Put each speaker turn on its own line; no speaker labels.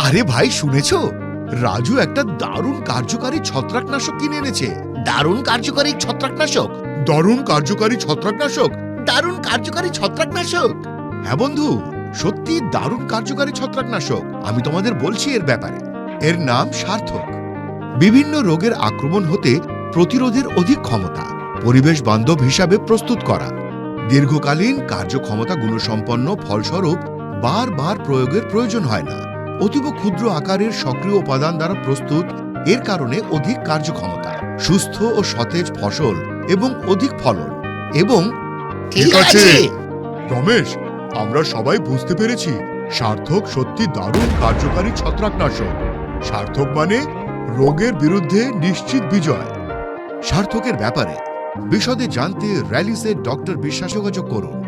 আরে ভাই, শুনেছো? রাজু একটা দারুণ কার্যকারী ছত্রাকনাশক কিনে এনেছে।
দারুণ কার্যকরী ছত্রাকনাশক।
দারুণ কার্যকারী ছত্রাকনাশক।
দারুণ কার্যকরী ছত্রাকনাশক।
হ্যাঁ বন্ধু, সত্যি দারুণ কার্যকারী ছত্রাকনাশক। আমি তোমাদের বলছি এর ব্যাপারে। এর নাম সার্থক। বিভিন্ন রোগের আক্রমণ হতে প্রতিরোধের অধিক ক্ষমতা, পরিবেশ বান্ধব হিসাবে প্রস্তুত করা, দীর্ঘকালীন কার্যক্ষমতা গুণসম্পন্ন, ফলস্বরূপ বারবার প্রয়োগের প্রয়োজন হয় না, অতীব ক্ষুদ্র আকারের সক্রিয় উপাদান দ্বারা প্রস্তুত। এর কারণে অধিক কার্যক্ষমতা, সুস্থ ও সতেজ ফসল এবং অধিক ফলন। এবং
ঠিক আছে।
রমেশ, আমরা সবাই বুঝতে পেরেছি সার্থক সত্যি দারুণ কার্যকারী ছত্রাকনাশক। সার্থক মানে রোগের বিরুদ্ধে নিশ্চিত বিজয়। সার্থকের ব্যাপারে বিশদে জানতে র্যালিসের ডক্টর বিশ্বাস যোগাযোগ করুন।